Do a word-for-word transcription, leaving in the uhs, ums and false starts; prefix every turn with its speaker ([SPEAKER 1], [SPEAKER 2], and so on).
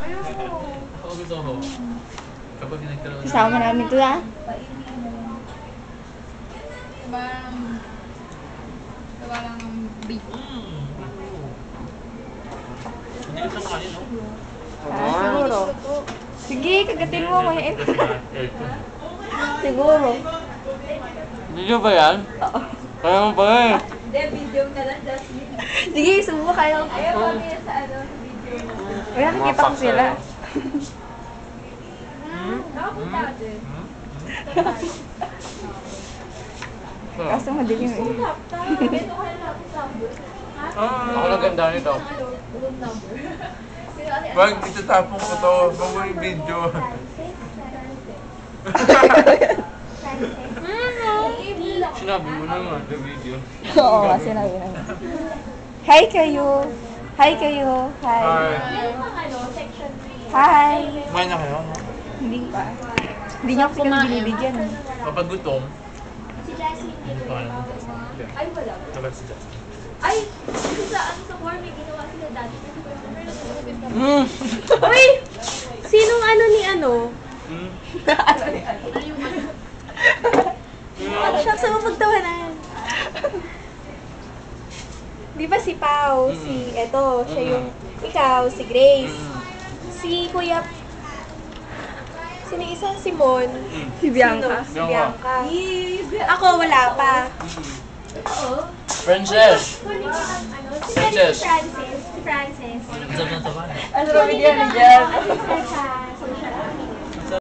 [SPEAKER 1] Ako gusto ko. Kapag nagkaroon ng...
[SPEAKER 2] Kasama namin to ha.
[SPEAKER 3] Parang... Gawa lang ng beef.
[SPEAKER 1] Mm. Hindi ko siyang kanin, no?
[SPEAKER 2] Ah, siguro. Sige, kagatin mo. Mayain.
[SPEAKER 1] Aircon.
[SPEAKER 2] Siguro.
[SPEAKER 1] Video ba yan?
[SPEAKER 2] Oo.
[SPEAKER 1] Kaya mo ba eh?
[SPEAKER 3] Hindi, video ka lang, Jasmine.
[SPEAKER 2] Sige, subukan kayo.
[SPEAKER 3] Ayaw kami sa ano, sa video.
[SPEAKER 2] Wala, nakikita ko sila.
[SPEAKER 3] Nakapunta ka din.
[SPEAKER 2] Kaso madilim eh.
[SPEAKER 3] Ito ka lang sa number.
[SPEAKER 1] Ako lang ganda nito.
[SPEAKER 3] Ano? Room number.
[SPEAKER 4] Wag, itatapon ko to. Wag mo yung video.
[SPEAKER 1] Sinabi mo naman sa video.
[SPEAKER 2] Oo, kasi sinabi namin. Hi kayo. Hi kayo. Hi.
[SPEAKER 4] Hi.
[SPEAKER 2] Hi.
[SPEAKER 4] Kumain na kayo, no?
[SPEAKER 2] Hindi pa. Hindi niya ako kasi binibigyan.
[SPEAKER 1] Kapag gutom,
[SPEAKER 3] Si Jasmine
[SPEAKER 1] hindi pa alam.
[SPEAKER 3] Ay, wala.
[SPEAKER 1] Kapag si Justin.
[SPEAKER 3] Ay! Kasi sa ano sa bar, may ginawa sila dati.
[SPEAKER 1] Mm.
[SPEAKER 5] Uy! Sinong ano ni ano?
[SPEAKER 1] Mm.
[SPEAKER 2] Ano ni ano?
[SPEAKER 3] Ano yung ano?
[SPEAKER 5] Ano siya sa mapagtawanan? Di ba si Pau, si, eto, siya yung, ikaw, si Grace, si Kuya, sino yung isa? Si Mon.
[SPEAKER 2] Si Bianca.
[SPEAKER 5] Sino? Si Bianca. Ako, wala pa.
[SPEAKER 3] Oo.
[SPEAKER 1] Princess!
[SPEAKER 3] Kunin ko ang ano. Si
[SPEAKER 1] Princess.
[SPEAKER 3] Francis. Si Francis.
[SPEAKER 1] Ang sarap ng taba.
[SPEAKER 2] Ano ba bigyan niya dyan?
[SPEAKER 3] Si Stefan.